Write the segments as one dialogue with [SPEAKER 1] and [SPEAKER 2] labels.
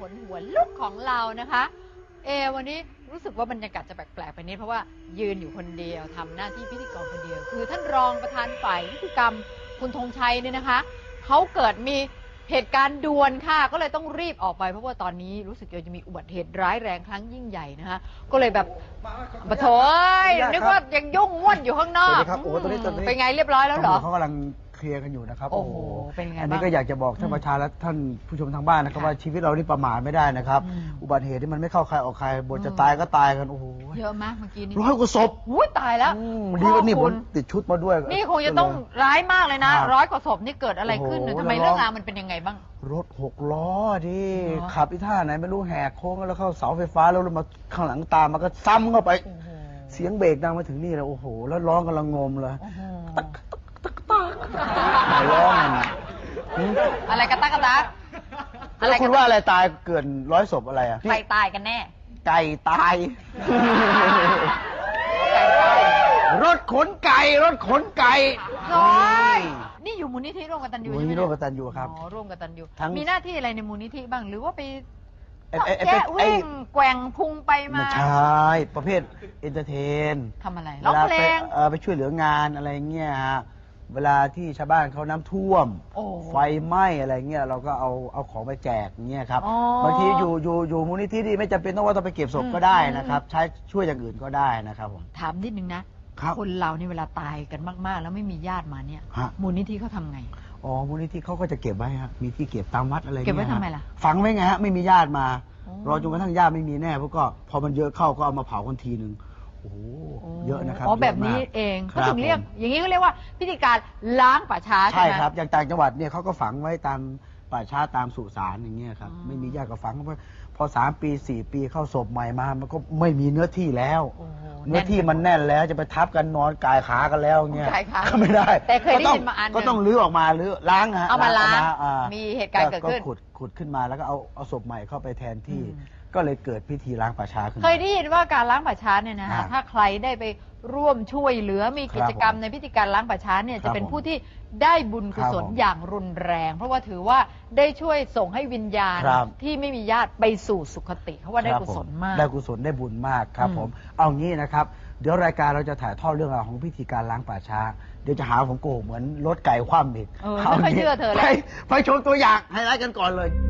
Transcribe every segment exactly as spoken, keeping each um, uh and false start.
[SPEAKER 1] นหัวลุกของเรานะคะเอวันนี้รู้สึกว่าบรรยากาศจะแปลกๆไปนิดเพราะว่ายืนอยู่คนเดียวทำหน้าที่พิธีกรคนเดียวคือท่านรองประธานฝ่ายนิติกรรมคุณธงชัยเนี่ยนะคะเขาเกิดมีเหตุการณ์ด่วนค่ะก็เลยต้องรีบออกไปเพราะว่าตอนนี้รู้สึกจะมีอุบัติเหตุร้ายแรงครั้งยิ่งใหญ่นะคะก็เลยแบบปะโถยนึกว่ายังยุ่งม่วนอยู่ข้างนอกเป็นไงเรียบร้อยแล้วเหรอ
[SPEAKER 2] เขากำลังเคลียร์กันอยู่นะครับ
[SPEAKER 1] โอ้โหเป็นไงบ้าง
[SPEAKER 2] อันนี้ก็อยากจะบอกท่านประชาและท่านผู้ชมทางบ้านนะครับว่าชีวิตเรานี่ประมาทไม่ได้นะครับอุบัติเหตุที่มันไม่เข้าใครออกใครบทจะตายก็ตายกันโอ้โห
[SPEAKER 1] เยอะมากเมื่อกี้นี้
[SPEAKER 2] ร้อยกว่าศพ
[SPEAKER 1] อุ้ยตายแล้ว
[SPEAKER 2] ดีว่านี่ผมติดชุดมาด้วย
[SPEAKER 1] นี่คงจะต้องร้ายมากเลยนะร้อยกว่าศพนี่เกิดอะไรขึ้นทำไมเรื่องราวมันเป็นยังไงบ้าง
[SPEAKER 2] รถหกล้อดิขับอีท่าไหนไม่รู้แหกโค้งแล้วเข้าเสาไฟฟ้าแล้วมาข้างหลังตามมาก็ซ้ำเข้าไปเสียงเบรกดังมาถึงนี่เลยโอ้โหแล้วร้องกำลังงมเลยร้อง
[SPEAKER 1] อะไรกระตักกระตัก
[SPEAKER 2] อะไรคุณว่าอะไรตายเกินร้อยศพอะไรอะ
[SPEAKER 1] ใครตายกันแน่
[SPEAKER 2] ไก่ตายรถขนไก่รถขนไก่
[SPEAKER 1] น้อยนี่อยู่มูลนิธิร่วมกตัญญู
[SPEAKER 2] ใช่ไหมมูลนิธิร่วมกตัญญูครับ
[SPEAKER 1] อ๋อร่วมกตัญญูมีหน้าที่อะไรในมูลนิธิบ้างหรือว่าไป
[SPEAKER 2] แจ๊
[SPEAKER 1] วิ่งแกว่งพุงไปมา
[SPEAKER 2] ใช่ประเภทเอนเตอร์เทน
[SPEAKER 1] ทำอะไรร้องเพลง
[SPEAKER 2] ไปช่วยเหลืองานอะไรเงี้ยฮะเวลาที่ชาวบ้านเขาน้ำท่วมไฟไหม้อะไรเงี้ยเราก็เอาเอาของไปแจกเงี้ยครับบางทีอยู่อยู่อยู่มูลนิธิที่ไม่จำเป็นต้องว่าต้องไปเก็บศพก็ได้นะครับใช้ช่วยอย่างอื่นก็ได้นะครับผม
[SPEAKER 1] ถามนิดนึงนะคนเราเนี่ยเวลาตายกันมากๆแล้วไม่มีญาติมาเนี่ยมูลนิธิเขาทำไง
[SPEAKER 2] อ๋อมูลนิธิเขาก็จะเก็บไว้ฮะมีที่เก็บตามวัดอะไรเงี้ย
[SPEAKER 1] เก็บไว้ทำไมล่ะ
[SPEAKER 2] ฝังไว้ไงฮะไม่มีญาติมารอจนกระทั่งญาติไม่มีแน่พวกก็พอมันเยอะเข้าก็เอามาเผากันทีนึงโอ้โหเยอะนะครับ
[SPEAKER 1] อ๋อแบบนี้เองก็ถึงเรียกอย่างนี้ก็เรียกว่าพิธีการล้างป่าช้าใช่ไหม
[SPEAKER 2] ใช่ครับอย่างต่างจังหวัดเนี่ยเขาก็ฝังไว้ตามป่าช้าตามสุสานอย่างเงี้ยครับไม่มีญาติก็ฝังเพราะพอสามปีสี่ปีเข้าศพใหม่มามันก็ไม่มีเนื้อที่แล้วเนื้อที่มันแน่นแล้วจะไปทับกันนอนกายขากันแล้วเงี้ยก็ไม่ได้
[SPEAKER 1] แต่เคยได้ยินมาอัน
[SPEAKER 2] ก็ต้องลื้อออกมาลื้อล้างฮะ
[SPEAKER 1] เอามาล้างมีเหตุการณ์เกิดขึ้น
[SPEAKER 2] ก็ขุดขุดขึ้นมาแล้วก็เอาเอาศพใหม่เข้าไปแทนที่ก็เลยเกิดพิธีล้างป่าช้าขึ้น
[SPEAKER 1] เคยได้ยินว่าการล้างป่าช้าเนี่ยนะถ้าใครได้ไปร่วมช่วยเหลือมีกิจกรรมในพิธีการล้างป่าช้าเนี่ยจะเป็นผู้ที่ได้บุญกุศลอย่างรุนแรงเพราะว่าถือว่าได้ช่วยส่งให้วิญญาณที่ไม่มีญาติไปสู่สุคติเพราะว่าได้กุศลมาก
[SPEAKER 2] ได้กุศลได้บุญมากครับผมเอางี้นะครับเดี๋ยวรายการเราจะถ่ายทอดเรื่องราวของพิธีการล้างป่าช้าเดี๋ยวจะหาผมโกหกเหมือนรถไก่คว่ำอีก
[SPEAKER 1] ไม่เชื่อเธอเลย
[SPEAKER 2] ไปชมตัวอย่างไฮไลท์กันก่อนเลย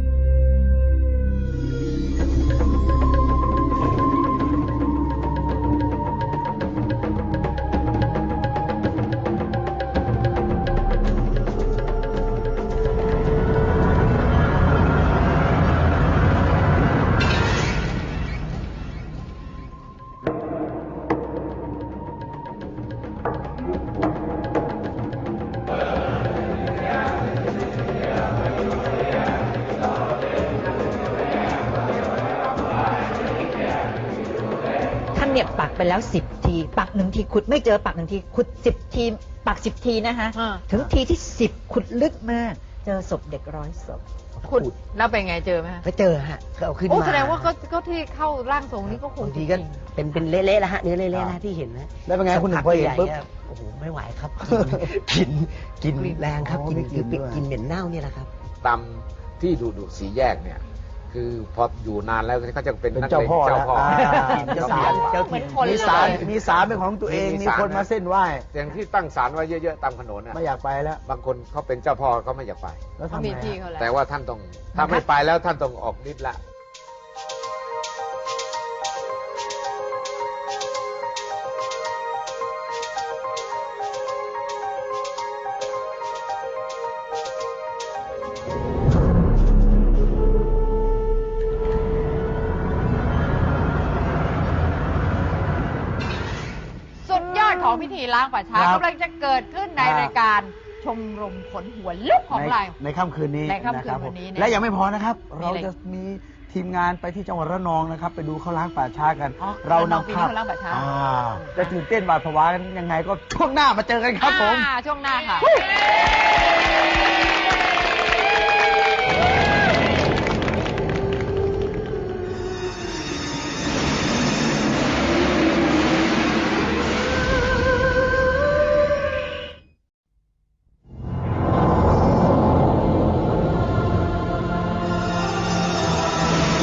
[SPEAKER 3] เนี่ยปักไปแล้วสิบทีปักหนึ่งทีขุดไม่เจอปักหนึ่งทีขุดสิบทีปักสิบทีนะคะถึงทีที่สิบขุดลึกมากเจอศพเด็กร้อยศพ
[SPEAKER 1] ขุดแล้วเป็นไงเจอไหม
[SPEAKER 3] ไปเจอฮะก็เอาขึ้นมา
[SPEAKER 1] โอ้แสดงว่าก็ที่เข้าร่างทรงนี้ก็คง
[SPEAKER 3] ทีก็เป็นเป็นเละๆแล้วฮะเนื้อเละๆนะที่เห็นนะ
[SPEAKER 2] แล้วเป็นไงคุณหนึ่งพอเห็นปุ๊บ
[SPEAKER 3] โอ้โหไม่ไหวครับกินกินแรงครับกินกินกินเหม็นเน่าเนี่ยแหละครับ
[SPEAKER 4] ตามที่ดูดูสีแยกเนี่ยคือพออยู่นานแล้วเขาจะเป็น
[SPEAKER 2] เจ้าพ่อเจ้าพ่อ
[SPEAKER 1] จะสารเจ้าถิ่น
[SPEAKER 2] มีสารมีสารเป็นของตัวเองมีคนมาเส้นไหว้
[SPEAKER 4] อย่างที่ตั้งศาลไว้เยอะๆตามถนนน่ะ
[SPEAKER 2] ไม่อยากไปแล้ว
[SPEAKER 4] บางคนเขาเป็นเจ้าพ่อเขาไม่อยากไป
[SPEAKER 2] แล้วทำไม
[SPEAKER 4] แต่ว่าท่านต้องถ้าไม่ไปแล้วท่านต้องออกฤทธิ์ละ
[SPEAKER 1] ของพิธีล้างป่าช้ากำลังจะเกิดขึ้นในรายการชมรมขนหัวลุกของเรา
[SPEAKER 2] ในค่ำคืนนี้
[SPEAKER 1] ในค่ำคืนวันนี้
[SPEAKER 2] และยังไม่พอนะครับเราจะมีทีมงานไปที่จังหวัดระนองนะครับไปดูเขาล้างป่าช้ากัน
[SPEAKER 1] เรานำภาพล้างป่าช้า
[SPEAKER 2] จะตื่นเต้นหวาดผวากันยังไงก็ช่วงหน้ามาเจอกันครับผม
[SPEAKER 1] ช่วงหน้าค่ะ
[SPEAKER 2] ค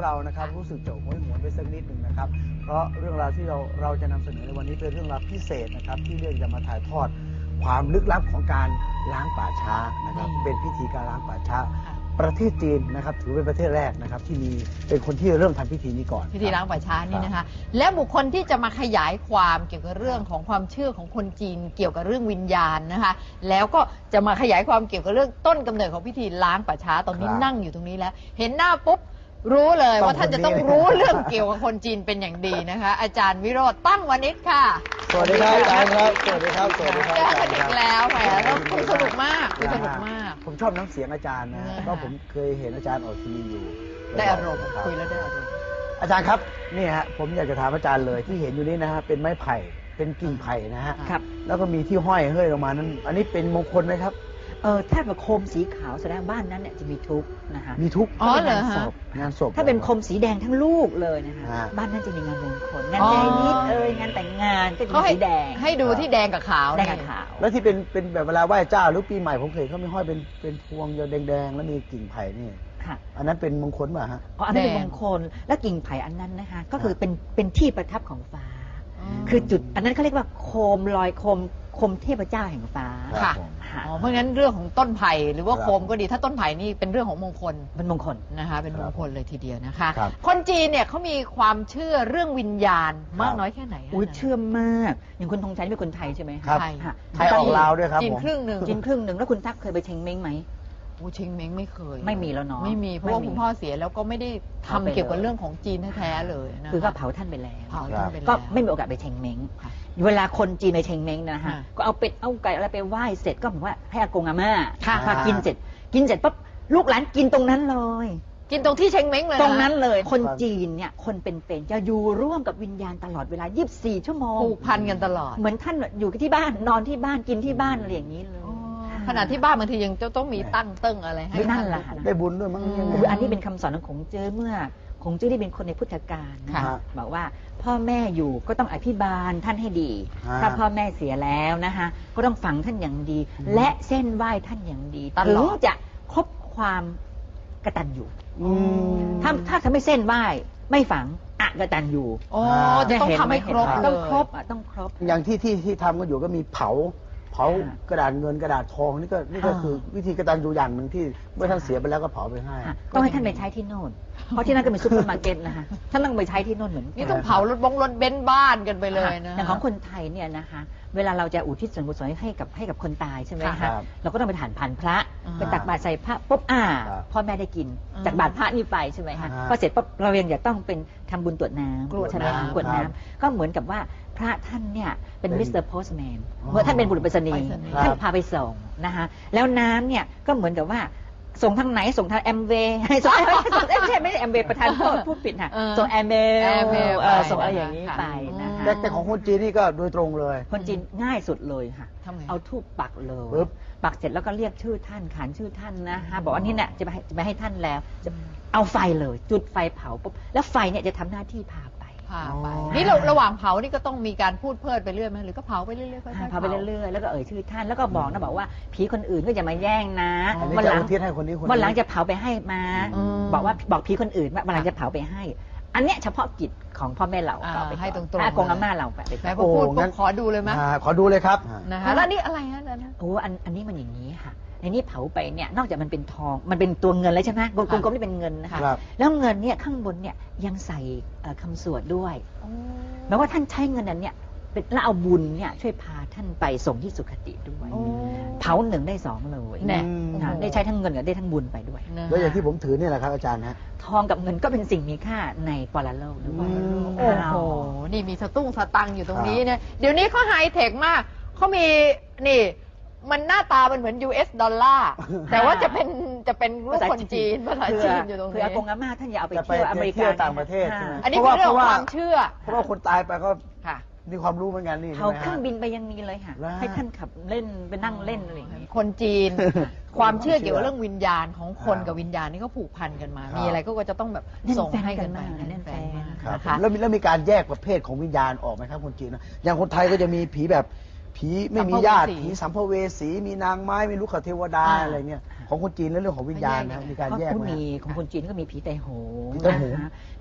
[SPEAKER 2] เรานะครับรู้สึกจะโหยหวนไปสักนิดหนึ่งนะครับเพราะเรื่องราวที่เราเราจะนำเสนอในวันนี้เป็นเรื่องราวพิเศษนะครับที่เรื่องจะมาถ่ายทอดความลึกลับของการล้างป่าช้านะครับเป็นพิธีการล้างป่าช้าประเทศจีนนะครับถือเป็นประเทศแรกนะครับที่มีเป็นคนที่เริ่มทำพิธีนี้ก่อน
[SPEAKER 1] พิธีล้างป่าช้านี่นะคะ และบุคคลที่จะมาขยายความเกี่ยวกับเรื่องของความเชื่อของคนจีนเกี่ยวกับเรื่องวิญญาณนะคะ แล้วก็จะมาขยายความเกี่ยวกับเรื่องต้นกำเนิดของพิธีล้างป่าช้าตอนนี้
[SPEAKER 2] ครับ
[SPEAKER 1] นั่งอยู่ตรงนี้แล้ว เห็นหน้าปุ๊บรู้เลย
[SPEAKER 2] ต้อง
[SPEAKER 1] ว่าท่านจะต้อง
[SPEAKER 2] คนนี้
[SPEAKER 1] รู้เรื่องเกี่ยวกับคนจีนเป็นอย่างดีนะคะ อาจารย์วิโรจน์ตั้งวณิชค่ะ
[SPEAKER 2] สวัสดีครับอาจารย์ครับสวัสดีครับสวัสดีครับ
[SPEAKER 1] เจอ
[SPEAKER 2] อาจา
[SPEAKER 1] กั
[SPEAKER 2] ร
[SPEAKER 1] น
[SPEAKER 2] ย์
[SPEAKER 1] อี
[SPEAKER 2] ครั
[SPEAKER 1] ก
[SPEAKER 2] บ
[SPEAKER 1] แล้วแหมแล้วคุยสนุกมากคุยสนุกมาก
[SPEAKER 2] ผมชอบน้ำเสียงอาจารย์นะ
[SPEAKER 1] นะฮะ
[SPEAKER 2] ก็ผมเคยเห็นอาจารย์ออกทีวีอยู่
[SPEAKER 1] ได้อารมณ์
[SPEAKER 2] นะบ
[SPEAKER 1] คุยแล้วได้อารมณ์
[SPEAKER 2] อาจารย์ครับนี่ฮะผมอยากจะถามอาจารย์เลยที่เห็นอยู่นี่นะฮะเป็นไม้ไผ่เป็นกิ่งไผ่นะฮะ
[SPEAKER 3] ครับ
[SPEAKER 2] แล้วก็มีที่ห้อยเฮ้ยลงมานั้น อันนี้เป็นมงคลไหมครับ
[SPEAKER 3] เออถ้าเป็นโคมสีขาวแสดงบ้านนั้นเนี่ยจะมีทุกข์นะคะ
[SPEAKER 2] มีทุก
[SPEAKER 1] อ๋อ
[SPEAKER 3] ถ้า
[SPEAKER 1] เหร
[SPEAKER 3] เป็น
[SPEAKER 1] อ
[SPEAKER 3] งานศ
[SPEAKER 1] ฮะ
[SPEAKER 3] พ
[SPEAKER 2] งานศพ
[SPEAKER 3] ถ้าเป็นโคมสีแดงทั้งลูกเลยนะคะ
[SPEAKER 2] ฮะ
[SPEAKER 3] บ้านนั้นจะมีงานมงคลงาน
[SPEAKER 1] อ๋อ
[SPEAKER 3] แดงนิดเอ่ยงานแต่งงานก็จะ
[SPEAKER 1] เขา
[SPEAKER 3] มี
[SPEAKER 1] ให้
[SPEAKER 3] สีแดง
[SPEAKER 1] ให้ดูที่แดงกับขาว
[SPEAKER 3] แดง
[SPEAKER 1] นี่
[SPEAKER 3] กับขาว
[SPEAKER 2] แล้วที่เป็นเป็นแบบเวลาไหว้เจ้าหรือปีใหม่ผมเคยเขาไม่ห้อยเป็นเป็นพวงแดงๆแล้วมีกิ่งไผ่นี่
[SPEAKER 3] ค่ะ
[SPEAKER 2] อันนั้นเป็นมงคลป่ะฮะ
[SPEAKER 3] อ๋ออันนั้นเป็น
[SPEAKER 1] แด
[SPEAKER 3] ม
[SPEAKER 1] ง
[SPEAKER 3] งคลและกิ่งไผ่อันนั้นนะคะก็คือเป็นเป็นที่ประทับของฟ้า
[SPEAKER 1] อ๋อ
[SPEAKER 3] คือจุดอันนั้นเขาเรียกว่าโคมลอยโคมโคมเทพเจ้าแห่งฟ้า
[SPEAKER 2] ครับ
[SPEAKER 1] ค่ะ
[SPEAKER 2] ผม
[SPEAKER 3] ค่ะ
[SPEAKER 1] อ๋อเพราะงั้นเรื่องของต้นไผ่หรือว่า
[SPEAKER 2] ครับ
[SPEAKER 1] โคมก็ดีถ้าต้นไผ่นี่เป็นเรื่องของมงคล
[SPEAKER 3] เป็นมงคล
[SPEAKER 1] นะคะ เป็นมงคลเลยทีเดียวนะคะ
[SPEAKER 2] ครับ
[SPEAKER 1] คนจีนเนี่ยเขามีความเชื่อเรื่องวิญญาณมากน้อยแค่ไหนคะ
[SPEAKER 3] อุ้ยเชื่อมาก อย่างคุณธงชัยนี่เป็นคนไทยใช่ไหมะ
[SPEAKER 2] ครับ
[SPEAKER 1] ไทย
[SPEAKER 3] ค่ะ
[SPEAKER 2] ไทยออกลาวด้วยครับ
[SPEAKER 1] จีน
[SPEAKER 2] ผม
[SPEAKER 1] ครึ่งหนึ่ง
[SPEAKER 3] จีนครึ่งหนึ่งแล้วคุณทักเคยไปเชงเม้งไหม
[SPEAKER 1] โอ้เชงเม้งไม่เคย
[SPEAKER 3] ไม่มีแล้วเนาะ
[SPEAKER 1] ไม่มีเพราะว่า
[SPEAKER 3] ไม่มี
[SPEAKER 1] คุณพ่อเสียแล้วก็ไม่ได้ทำ
[SPEAKER 3] เอาไป
[SPEAKER 1] เกี่ยวกับ
[SPEAKER 3] เลย
[SPEAKER 1] เรื่องของจีนแท้ๆเลยนะคะ
[SPEAKER 3] คือก็เผาท่านไปแล้ว
[SPEAKER 1] เผาท่านไปแล้ว
[SPEAKER 3] ก็ไม่มีโอกาสไปเชงเม้ง
[SPEAKER 1] ค่ะ
[SPEAKER 3] เวลาคนจีนไปเชงเม้งนะคะ
[SPEAKER 1] ค่ะ
[SPEAKER 3] ก็เอาเป็ดเอาไก่อะไรไปไหว้เสร็จก็บอกว่าให้อากงอาม่า
[SPEAKER 1] ค่ะ
[SPEAKER 3] พากินเสร็จ กินเสร็จปั๊บลูกหลานกินตรงนั้นเลย
[SPEAKER 1] กินตรงที่เชงเม้งเลยะ
[SPEAKER 3] ตรงนั้นเลย คนจีนเนี่ยคนเป็นๆจะอยู่ร่วมกับวิญญาณตลอดเวลา ยี่สิบสี่ ชั่วโมง
[SPEAKER 1] ผูกพันกันตลอด
[SPEAKER 3] เหมือนท่านอยู่ที่บ้านนอนที่บ้านกินที่บ้านอะไรอย่างนี้เลย
[SPEAKER 1] อ๋อขณะที่บ้านบางทียังจะต้องมีตั้งเติ้งอะไรให้
[SPEAKER 3] นั่นแหละ
[SPEAKER 1] ท่า
[SPEAKER 2] ได้บุญด้วยมั้งยังไง
[SPEAKER 3] อุ๊ยอันนี้เป็นคำสอนของคงเจ้อเมื่อคงเจ้อที่เป็นคนในพุทธกาลนะ
[SPEAKER 1] ค่ะ
[SPEAKER 3] บอกว่าพ่อแม่อยู่ก็ต้องอภิบาลท่านให้ดี
[SPEAKER 2] ฮะ
[SPEAKER 3] ถ้าพ่อแม่เสียแล้วนะคะก็ต้องฝังท่านอย่างดี และเส้นไหว้ท่านอย่างดี
[SPEAKER 1] ตลอด
[SPEAKER 3] ถึงจะครบความกตัญญู
[SPEAKER 2] อืม
[SPEAKER 3] ถ้าถ้าทำไม่เส้นไหว้ไม่ฝังอกตัญญู
[SPEAKER 1] โอ้จะต้องทำให้ครบ
[SPEAKER 3] เห็นไหม
[SPEAKER 1] เลย
[SPEAKER 3] ต้องครบอ่ะต้องครบ
[SPEAKER 2] อย่างที่ที่ที่ทำกันอยู่ก็มีเผา เผา
[SPEAKER 3] อ่าก
[SPEAKER 2] ระดาษเงินกระดาษทองนี่ก็นี่ก็
[SPEAKER 3] อ่า
[SPEAKER 2] คือวิธีกระตันอยู่อย่างหนึ่งที่เมื่อท่านเสียไปแล้วก็เผาไปให้
[SPEAKER 3] ค่ะต้องให้ท่านไปใช้ที่โน่น เพราะที่นั่นก็เป็นซุปเปอร์มาร์เก็ตนะคะท่านต้องไปใช้ที่โน่นเหมือนกั
[SPEAKER 1] นี่ต้องเผารถบงรถเบนซ์บ้านกันไปเลยนะ
[SPEAKER 3] อย่างของคนไทยเนี่ยนะคะ เวลาเราจะอุทิศส่วนกุศลให้กับให้กับคนตายใช่ไหม
[SPEAKER 2] ครั
[SPEAKER 3] คะ
[SPEAKER 2] บ
[SPEAKER 3] เราก็ต้องไปฐานผ่านพระ
[SPEAKER 1] อ่า
[SPEAKER 3] ไปตักบาตรใส่พระปุ๊บอ่า
[SPEAKER 2] ครับ
[SPEAKER 3] พ่อแม่ได้กิน
[SPEAKER 1] อ่า
[SPEAKER 3] จากบาตรพระนี่ไปใช่ไหมคะ
[SPEAKER 2] อ่า
[SPEAKER 3] พอเสร็จปุ๊บเรายังจะต้องเป็นทำบุญตรวจน้ำ
[SPEAKER 1] กรวด
[SPEAKER 3] ใช่ไหม
[SPEAKER 1] น้ำ
[SPEAKER 3] คะกรวด
[SPEAKER 2] ครับ
[SPEAKER 3] น้ำก็เหมือนกับว่าพระท่านเนี่ยเป็น
[SPEAKER 2] เป็น
[SPEAKER 3] มิสเตอร์โพสแมน
[SPEAKER 2] อ๋อ
[SPEAKER 3] เมื่อท่านเป็นบุรุษไปรษณีย์
[SPEAKER 1] ไปรษณีย์
[SPEAKER 3] ท่าน
[SPEAKER 2] ครับ
[SPEAKER 3] พาไปส่งนะคะแล้วน้ำเนี่ยก็เหมือนกับว่าส่งทางไหนส่งทางแอมเวย์ ส่งไม่ใช่ไม่ใช่แอมเวย์ประธานโทษพูดผิดค่ะ
[SPEAKER 1] เออ
[SPEAKER 3] ส่งแอมเมล
[SPEAKER 1] Airmail
[SPEAKER 3] เออ
[SPEAKER 1] ไป
[SPEAKER 3] ส่งอะไรอย่างนี้
[SPEAKER 1] ค่ะ
[SPEAKER 3] ไปนะคะ
[SPEAKER 2] แต่แต่ของคนจีนนี่ก็โดยตรงเลย
[SPEAKER 3] คนจีนง่ายสุดเลยค่ะ
[SPEAKER 1] ทำไง
[SPEAKER 3] เอาทูบปักเลย
[SPEAKER 2] ปึ๊บ
[SPEAKER 3] ปักเสร็จแล้วก็เรียกชื่อท่านขานชื่อท่านนะคะบอกว่านี่เนี่ยจะไปให้จะไปให้ท่านแล้ว จะเอาไฟเลย จุดไฟเผาปุ๊บแล้วไฟเนี่ยจะทำหน้าที่พาไป
[SPEAKER 1] พาไป
[SPEAKER 2] อ๋อ
[SPEAKER 1] นี่เราระหว่างเผานี่ก็ต้องมีการพูดเพลิดไปเรื่อยไหมหรือก็เผาไปเรื่อยๆค่อยๆ
[SPEAKER 3] พาไปเรื่อยๆแล้วก็เอ่ยชื่อท่านแล้วก็บอกนะบอกว่าผีคนอื่นก็อย่ามาแย่งนะ
[SPEAKER 2] อันนี้
[SPEAKER 3] วัน
[SPEAKER 2] จะ
[SPEAKER 3] หลัง
[SPEAKER 2] อุทิศให้คนนี้คนนี้
[SPEAKER 3] วันหลังจะเผาไปให้มา
[SPEAKER 1] อืม
[SPEAKER 3] บอกว่าบอกผีคนอื่นว่าวันหลังจะเผาไปให้ อันเนี้ยเฉพาะกิจของพ่อแม่เรา
[SPEAKER 1] อ่า
[SPEAKER 3] เอาไปก่อน
[SPEAKER 1] ให้ตรงๆ
[SPEAKER 3] อากงอาม่าเราไป
[SPEAKER 1] ไหนพ
[SPEAKER 3] ก่
[SPEAKER 1] อ
[SPEAKER 3] อน
[SPEAKER 1] พูด
[SPEAKER 2] โอ้
[SPEAKER 1] ปุ๊
[SPEAKER 2] งั้
[SPEAKER 1] บ
[SPEAKER 2] น
[SPEAKER 1] ขอดูเลยไหม
[SPEAKER 2] อ่าขอดูเลยครับ
[SPEAKER 1] นะคะแล้วนี่อะไรนะนะ
[SPEAKER 3] โอ้อันอันนี้มันอย่างนี้ค่ะในนี้เผาไปเนี่ยนอกจากมันเป็นทองมันเป็นตัวเงินเลยใช่ไหมกลมๆนี่เป็นเงินนะคะ
[SPEAKER 2] ครับ
[SPEAKER 3] แล้วเงินเนี่ยข้างบนเนี่ยยังใส่เอ่อคำสวดด้วยแม้ว่าท่านใช้เงินนั้นเนี่ยเป็นแล้วเอาบุญเนี่ยช่วยพาท่านไปส่งที่สุคติด้วย
[SPEAKER 1] โอ้
[SPEAKER 3] เผาหนึ่งได้สองเลย
[SPEAKER 1] แน่
[SPEAKER 3] ค่ะได้ใช้ทั้งเงินกับได้ทั้งบุญไปด้วย
[SPEAKER 1] นะ
[SPEAKER 2] แล้วอย่างที่ผมถือนี่แหละครับอาจารย์ฮะ
[SPEAKER 3] ทองกับเงินก็เป็นสิ่งมีค่าในปรโลกด้วย
[SPEAKER 2] อืม
[SPEAKER 1] โอ้โห นี่มีสตุ้งสตังค์อยู่ตรงนี้เนี่ย เดี๋ยวนี้เขาไฮเทคมาก เขามี นี่ มันหน้าตามันเหมือน ยู เอส ดอลลาร์ แต่ว่าจะเป็น จะเป็นรูปคนจีน ภาษาจีนอยู่ตรง
[SPEAKER 3] คือ
[SPEAKER 1] นี้
[SPEAKER 3] อากงอาม่าท่านอย่าเอาไป
[SPEAKER 2] จะไป
[SPEAKER 3] เที่ยวอเมริ
[SPEAKER 2] เที่
[SPEAKER 3] กา
[SPEAKER 2] ยวต่างประเทศใช่ไหม
[SPEAKER 1] อันนี้เป็นเรื่องของ
[SPEAKER 2] เพราะว่า
[SPEAKER 1] ความเชื่อ
[SPEAKER 2] เพราะว่าคนตายไปก็
[SPEAKER 1] ค่ะ
[SPEAKER 2] มีความรู้เหมือนกันนี่ใช่
[SPEAKER 3] เขา
[SPEAKER 2] ไหม
[SPEAKER 3] เครื่
[SPEAKER 2] ฮะ
[SPEAKER 3] องบินไปยังมีเลยค่ะ
[SPEAKER 2] แล้ว
[SPEAKER 3] ให้ท่านขับเล่นไปนั่งเล่นอะไรอย่างนี้
[SPEAKER 1] คนจีน ความเชื่อเกี่ยวกับ
[SPEAKER 2] ความเชื่อ
[SPEAKER 1] เรื่องวิญญาณของคน
[SPEAKER 2] อ่ากั
[SPEAKER 1] กับวิญญาณนี่ก็ผูกพันกันมา
[SPEAKER 2] ครับ
[SPEAKER 1] มีอะไรก็จะต้องแบบ
[SPEAKER 3] แน่น
[SPEAKER 1] ส่ง
[SPEAKER 3] แฟน
[SPEAKER 1] ให้กัน
[SPEAKER 3] กัน
[SPEAKER 1] ไป
[SPEAKER 3] มากแน่นแฟน
[SPEAKER 1] มาก
[SPEAKER 2] ครับ
[SPEAKER 1] นะคะ
[SPEAKER 2] แล้วมีแล้วมีการแยกประเภทของวิญญาณออกไหมครับคนจีนนะอย่างคนไทยก็จะมีผีแบบผีไม่มีญาติ
[SPEAKER 1] สัมภเวสี
[SPEAKER 2] ผีสัมภเวสีมีนางไม้มีลูกขเทวดา
[SPEAKER 1] อ่า
[SPEAKER 2] อะไรเงี้ยของคนจีนแล้วเรื่องของวิญญาณนะมีการแยก
[SPEAKER 3] ก็
[SPEAKER 2] ไหม
[SPEAKER 3] มีของคนจีนก็มีผีไตโหง
[SPEAKER 2] ผีไต้โหง
[SPEAKER 3] นะคะ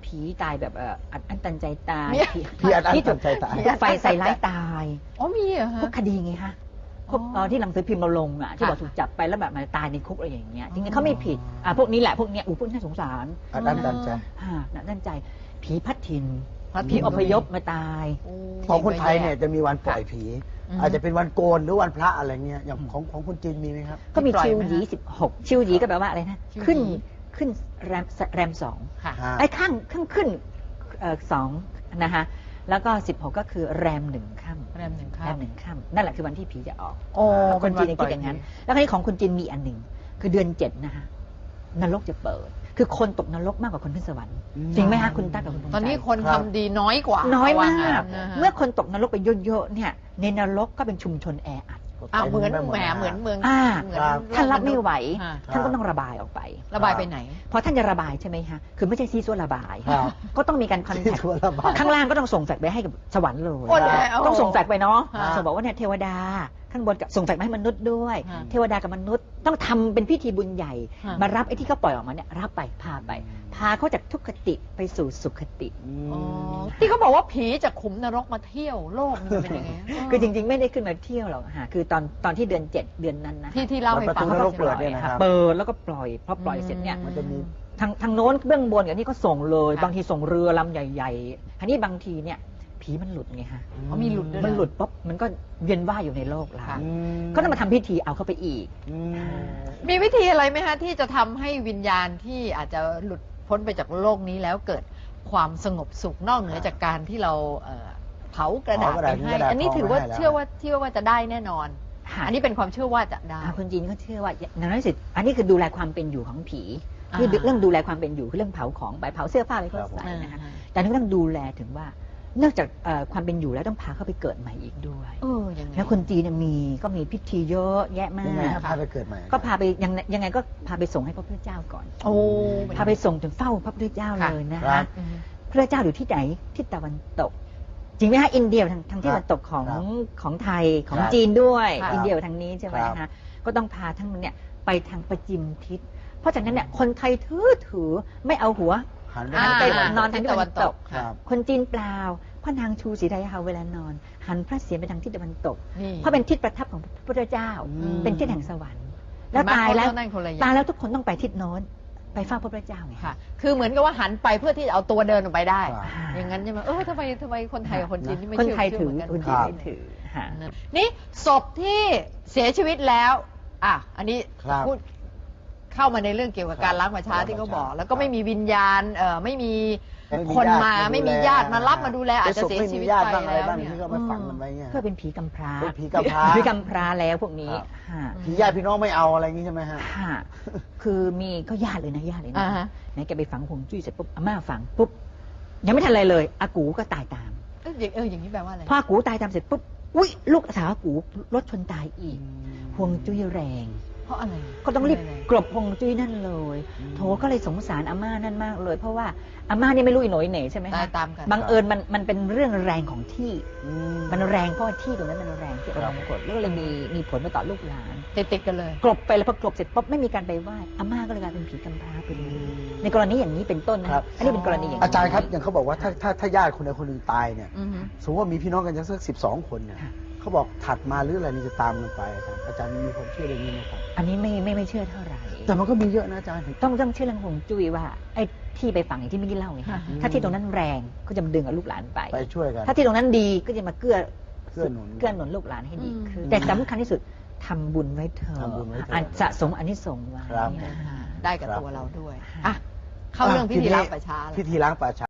[SPEAKER 3] ผีตายแบบเอ่ออัดอั้นตันใจตาย
[SPEAKER 1] เนี่ย
[SPEAKER 2] พี่อัดอั้น
[SPEAKER 3] ที่ถูก
[SPEAKER 2] ตันใจตาย
[SPEAKER 3] ถูกไฟใส่ร้ายตาย
[SPEAKER 1] อ๋อมีเหรอฮะ
[SPEAKER 3] พวกคดีไงคะพวก
[SPEAKER 1] อ๋อ
[SPEAKER 3] เอ่อที่หนังสือพิมพ์เราลงอ่ะที่
[SPEAKER 1] ค่ะ
[SPEAKER 3] บอกถูกจับไปแล้วแบบมาตายในคุกอะไรอย่างเงี้ย
[SPEAKER 1] อ๋อ
[SPEAKER 3] จริงๆเขาไม่ผิดอ่ะพวกนี้แหละพวกเนี้ยอู้พวกน่าสงสาร
[SPEAKER 2] อัดอั้นตันใจ
[SPEAKER 3] ฮ่าน่าตั้นใจผีพัดถิ่น
[SPEAKER 1] พัดถิ่
[SPEAKER 3] ผี
[SPEAKER 1] น
[SPEAKER 3] อพยพมาตาย
[SPEAKER 1] โอ้
[SPEAKER 2] ของคนไทยเนี่ยจะมีวันปล่อยผี
[SPEAKER 1] อืม
[SPEAKER 2] อาจจะเป็นวันโกนหรือวันพระอะไรเงี้ยอย่างของของคนจีนมีไหมครับ
[SPEAKER 3] ก็มี
[SPEAKER 1] ปล่อย
[SPEAKER 3] ชิว
[SPEAKER 1] ไหม
[SPEAKER 3] หยี
[SPEAKER 1] ฮะ
[SPEAKER 3] สิบหกชิวหยีก็แปลว่าอะไรนะ
[SPEAKER 1] ชิวหยี
[SPEAKER 3] ขึ้นขึ้นแรมแรมสอง
[SPEAKER 1] ค่ะ
[SPEAKER 2] ฮะ
[SPEAKER 3] ไอ้ข้างข้างขึ้นเอ่อสองนะคะแล้วก็สิบหกก็คือแรมหนึ่งค่ำ
[SPEAKER 1] แรมหนึ่ง
[SPEAKER 3] แร
[SPEAKER 1] ค่
[SPEAKER 3] มหนึ่งค่ำนั่นแหละคือวันที่ผีจะออก
[SPEAKER 1] ำโอ้
[SPEAKER 3] คนจีนยัง
[SPEAKER 1] ปล่
[SPEAKER 3] คิดอย่างนั้น แล้วคราวนี้ของคนจีนมีอันหนึ่งคือเดือนเจ็ดนะคะนรกจะเปิด คือคนตกนรกมากกว่าคนขึ้นสวรรค์
[SPEAKER 2] อืม
[SPEAKER 3] จริงไหมคะคุณตั๊กกับคุณธงชัย
[SPEAKER 1] ตอนนี้คน
[SPEAKER 2] ครั
[SPEAKER 1] ทำ
[SPEAKER 2] บ
[SPEAKER 1] ดีน้อยกว่า
[SPEAKER 3] น้อยมาก
[SPEAKER 1] ว่งั้นนะฮะ
[SPEAKER 3] เมื่อคนตกนรกไปเยอะๆเนี่ยในนรกก็เป็นชุมชนแออัด
[SPEAKER 1] อ่ะเหมือน
[SPEAKER 2] ต็ไป
[SPEAKER 1] แหม
[SPEAKER 2] ด
[SPEAKER 1] เหมือนเมือง
[SPEAKER 3] อ่า
[SPEAKER 1] เหมือน
[SPEAKER 2] ครับ
[SPEAKER 3] ท่านรับไม่ไหว
[SPEAKER 1] อ่า
[SPEAKER 3] ท่านก็ต้องระบายออกไป
[SPEAKER 1] ระบายไปไหน
[SPEAKER 3] พอท่านจะระบายใช่ไหมคะคือไม่ใช่ซีซัวระบาย
[SPEAKER 2] ครับ
[SPEAKER 3] ก็ต้องมีการคอนแท
[SPEAKER 2] ที่
[SPEAKER 3] ค
[SPEAKER 2] ทั่วระบาย
[SPEAKER 3] ข้างล่างก็ต้องส่งแฟกซ์ไปให้กับสวรรค์เลย
[SPEAKER 1] โอ้แล้ว
[SPEAKER 3] ต้องส่งแฟกซ์ไปเนาะ
[SPEAKER 1] ฮะ
[SPEAKER 3] ส่งบอกว่าเนี่ยเทวดาข้างบนกับส่งแฟกซ์มาให้มนุษย์ด้วย
[SPEAKER 1] ฮะ
[SPEAKER 3] เทวดากับมนุษย์ต้องทำเป็นพิธีบุญใหญ่
[SPEAKER 1] ฮะ
[SPEAKER 3] มารับไอ้ที่เขาปล่อยออกมาเนี่ยรับไปพาไป พาเขาจากทุกขติไปสู่สุขติ
[SPEAKER 2] อืม
[SPEAKER 1] อ๋อที่เขาบอกว่าผีจากขุมนรกมาเที่ยวโลกมันเป็นยังไง
[SPEAKER 3] คือจริงๆ ไม่ได้ขึ้นมาเที่ยวหรอกค่ะคือตอนตอนที่เดือนเจ็ดเดือนนั้นนะ
[SPEAKER 1] ที่ที่เล่าให้ฟัง
[SPEAKER 2] ประตูนรก
[SPEAKER 3] ป
[SPEAKER 2] เปิ
[SPEAKER 3] ล่
[SPEAKER 2] ด
[SPEAKER 3] อย
[SPEAKER 2] เนี่ยนะค
[SPEAKER 3] ค่ะ
[SPEAKER 2] รับ
[SPEAKER 3] เปิดแล้วก็ปล่อยพอปล่อยเสร็จเนี่ย
[SPEAKER 2] มันจะมี
[SPEAKER 3] ทางทางโน้นเบื้องบนกับนี่ก็ส่งเลย
[SPEAKER 1] ค่ะ
[SPEAKER 3] บางทีส่งเรือลำใหญ่ๆอันนี้บางทีเนี่ยผีมันหลุดไงฮะ
[SPEAKER 1] อ๋อมีหลุดด้วย
[SPEAKER 3] มัน
[SPEAKER 1] นะ
[SPEAKER 3] หลุดปุ๊บมันก็เวียนว่ายอยู่ในโลกเรา
[SPEAKER 1] ค่ะ
[SPEAKER 2] อืม
[SPEAKER 3] ก็ต้องมาทำพิธีเอาเข้าไปอีก
[SPEAKER 2] อืม
[SPEAKER 1] มีวิธีอะไรไหมฮะที่จะทำให้วิญญาณที่อาจจะหลุดพ้นไปจากโลกนี้แล้วเกิดความสงบสุขนอกเหนือจากการที่เราเอ่อเผากระดาษ
[SPEAKER 2] เผากระ
[SPEAKER 1] ไป
[SPEAKER 2] ดาษ
[SPEAKER 1] ให้
[SPEAKER 2] กระดาษ
[SPEAKER 1] อันนี้ถือว่า
[SPEAKER 2] ทองไปให้แล้ว
[SPEAKER 1] เชื่อว่าเชื่อว่าจะได้แน่นอน
[SPEAKER 3] ค่ะ
[SPEAKER 1] อันนี้เป็นความเชื่อว่าจะได้
[SPEAKER 3] อ่าคนจีนก็เชื่อว่าอย่างนั้นสิอันนี้คือดูแลความเป็นอยู่ของผี
[SPEAKER 1] อ่า
[SPEAKER 3] นี่เรื่องดูแลความเป็นอยู่คือเรื่องเผาของไปเผาเสื้อผ้าอะไรก็ใส่นะคะแต่นี่ก็ต้องดูแลถึงว่านอกจากเอ่อความเป็นอยู่แล้วต้องพาเข้าไปเกิดใหม่อีกด้วย
[SPEAKER 1] เออยังไง
[SPEAKER 3] แล้วคนจีนเนี่ยมีก็มีพิธีเยอะแยะมา
[SPEAKER 2] ยังไง
[SPEAKER 3] ก
[SPEAKER 2] ครับพาไปเกิดใหม่
[SPEAKER 3] ก็พาไปยังยังไงก็พาไปส่งให้พระพุทธเจ้าก่อน
[SPEAKER 1] โอ้
[SPEAKER 3] พาไปส่งถึงเฝ้าพระพุทธเจ้า
[SPEAKER 1] ค่ะ
[SPEAKER 3] เลยนะ
[SPEAKER 2] ครั
[SPEAKER 3] คะ
[SPEAKER 2] บ
[SPEAKER 1] อืม
[SPEAKER 3] พระพุทธเจ้าอยู่ที่ไหนทิศตะวันตก จริงไหมฮะอินเดียทางทางที่ตะวันตกของ
[SPEAKER 2] ครับ
[SPEAKER 3] ของไทยของ
[SPEAKER 2] ครับ
[SPEAKER 3] จีนด้วย
[SPEAKER 1] ครับ
[SPEAKER 3] อินเดียทางนี้ใช่ไหม
[SPEAKER 2] ครับ
[SPEAKER 3] คะก็ต้องพาทั้งเนี่ยไปทางประจิมทิศ เพราะฉะนั้นเนี่ยคนไทยถือถือไม่เอาหัว
[SPEAKER 2] หันไป
[SPEAKER 1] อ่า
[SPEAKER 2] ทาง
[SPEAKER 3] ไป
[SPEAKER 2] ตะวัน
[SPEAKER 3] นอน
[SPEAKER 2] ตก
[SPEAKER 3] ทางทิศตะวันตก
[SPEAKER 2] ครับ
[SPEAKER 3] คนจีนเปล่าพระนางชูศรีไทยเฮาเวลานอน หันพระเศียรไปทางทิศตะวันตก
[SPEAKER 1] นี่
[SPEAKER 3] เพราะเป็นทิศประทับของพระพุทธเจ้า
[SPEAKER 2] อืม
[SPEAKER 3] เป็นทิศแห่งสวรรค์ แล้ว
[SPEAKER 1] เห็นไหม
[SPEAKER 3] ตายแล้ว
[SPEAKER 1] เขนั่นคนละอย่ง
[SPEAKER 3] ตายแล้วทุกคนต้องไปทิศโน้นไปเฝ้าพระพุทธเจ้าไง
[SPEAKER 1] ค่ะ คือเหมือนกับว่าหันไปเพื่อที่จะเอาตัวเดินออกไปได้
[SPEAKER 2] ครับ
[SPEAKER 1] อย่างนั้นใช่ไหมเออทำไมทำไมคนไทยกับคนจีนนี่ไม่
[SPEAKER 3] คน
[SPEAKER 1] เชื่อ
[SPEAKER 3] ไทยถือ
[SPEAKER 1] เชื่
[SPEAKER 3] คน
[SPEAKER 1] เหมื
[SPEAKER 3] จีน
[SPEAKER 1] กั
[SPEAKER 3] ไม่ถือฮะ
[SPEAKER 1] นี่ศพที่เสียชีวิตแล้ว อ่ะ อันนี้
[SPEAKER 2] ครับ
[SPEAKER 1] พูดเข้ามาในเรื่องเกี่ยวกับการ
[SPEAKER 2] ครับ
[SPEAKER 1] ล้างป่าช้าที่เขาบอก แล้วก็
[SPEAKER 2] ครับ
[SPEAKER 1] ไม่มีวิญญาณ เอ่อ ไม่มี
[SPEAKER 2] ไม่มี
[SPEAKER 1] คนมา
[SPEAKER 2] ญาติมาดูแล
[SPEAKER 1] ไม่มีญาติมารับมาดูแล อาจจะ
[SPEAKER 2] เป็นศพ
[SPEAKER 1] เสีย
[SPEAKER 2] ไม่
[SPEAKER 1] ชี
[SPEAKER 2] มี
[SPEAKER 1] วิต
[SPEAKER 2] ญาติ
[SPEAKER 1] ไป
[SPEAKER 2] บ้างอะไร
[SPEAKER 1] แล้ว
[SPEAKER 2] บ้าง
[SPEAKER 1] เนี่ย
[SPEAKER 2] ที่เขามาฝังมันไว้เนี่ย
[SPEAKER 3] เพื่อเป็นผีกำพร้า
[SPEAKER 2] เป็นผีกำพร้า
[SPEAKER 3] ผีกำพร้าแล้วพวกนี้
[SPEAKER 2] ครับ
[SPEAKER 3] ฮะ
[SPEAKER 2] ผีญาติพี่น้องไม่เอาอะไรอย่างนี้ใช่ไหมฮะ
[SPEAKER 3] ฮะคือมีก็ญาติเลยนะญาติเลยนะ
[SPEAKER 1] อ่าฮะ
[SPEAKER 3] ไหนแกไปฝังผงจุ้ยเสร็จปุ๊บอาม่าฝังปุ๊บยังไม่ทันอะไรเลยอากูก็ตายตาม
[SPEAKER 1] เอออย่างเอออย่างนี้แปลว่าอะไร
[SPEAKER 3] พออากูตายตามเสร็จปุ๊บอุ้ยลูกสาวอากูรถชนตายอีกพวงจุ้ยแรง
[SPEAKER 1] เพราะอะไร
[SPEAKER 3] ก็ต้องรีบ
[SPEAKER 1] ะไ
[SPEAKER 3] กลบพวงจุ้ยนั่นเลย
[SPEAKER 2] อืม
[SPEAKER 3] โถก็เลยสงสารอาม่านั่นมากเลย เพราะว่าอาม่านี่ไม่รู้อีโหนยเหน่ใช่ไหม
[SPEAKER 1] ตาย
[SPEAKER 3] คะ
[SPEAKER 1] ตามกัน
[SPEAKER 3] บังเอิญมันมันเป็นเรื่องแรงของที่
[SPEAKER 2] อืม
[SPEAKER 3] มันแรงเพราะว่าที่ตรงนั้นมันแรงที่
[SPEAKER 2] ครั
[SPEAKER 3] เรา
[SPEAKER 2] บ
[SPEAKER 3] กดแล้วก็เลยมีมีผลมาต่อลูกหลาน
[SPEAKER 1] ติดติดๆกันเลย
[SPEAKER 3] กลบไปแล้วพอกลบเสร็จปุ๊บไม่มีการไปไหว้อาม่าก็เลยกลายเป็นผีกำพร้าไปเลยในกรณีอย่างนี้เป็นต้นนะครับ อันนี้เป็นกรณีอย่างนี้
[SPEAKER 2] อาจารย์ครับอย่างเขาบอกว่าถ้าถ้าถ้าญาติคนใดคนหนึ่งตายเนี่ย
[SPEAKER 1] อือฮึ
[SPEAKER 2] สมมติว่ามีพี่น้องกันจะสักสิบสองคนเนี่ย
[SPEAKER 3] ค่ะ
[SPEAKER 2] เขาบอกถัดมาหรืออะไรนี่จะตามกันไปอาจารย์อาจารย์มีความเชื่อเรื่องนี้ไหมครับ
[SPEAKER 3] อันนี้ไม่ไม่ไม่เชื่อเท่าไหร่
[SPEAKER 2] แต่มันก็มีเยอะนะอาจารย์
[SPEAKER 3] ต้องต้องเชื่อเรื่องฮวงจุ้ยว่าไอ้ที่ไปฝังอย่างที่เมื่อกี้เล่าไง
[SPEAKER 1] ค่ะ
[SPEAKER 3] ถ้าที่ตรงนั้นแรงก็จะมาดึงเอาลูกหลานไป
[SPEAKER 2] ไปช่วยกัน
[SPEAKER 3] ถ้าที่ตรงนั้นดีก็จะมาเกื้อ
[SPEAKER 2] เกื้อหนุน
[SPEAKER 3] เกื้อหนุนลูกหลานให้ดีขึ้น
[SPEAKER 2] อืม
[SPEAKER 3] แต่สำคัญที่สุดทำบุญไว้เถอะ
[SPEAKER 2] ทำบุญไว้เถอะ
[SPEAKER 3] อันสะสมอันนี้ส่งส์ไว้
[SPEAKER 2] ครับ
[SPEAKER 3] นะคะ
[SPEAKER 1] ได้กับ
[SPEAKER 2] ครับ
[SPEAKER 1] ตัวเราด้วย อ่ะ เข้าเรื่องพิธีล้างป่าช้าแล้ว
[SPEAKER 2] พิธีล้างป่าช้า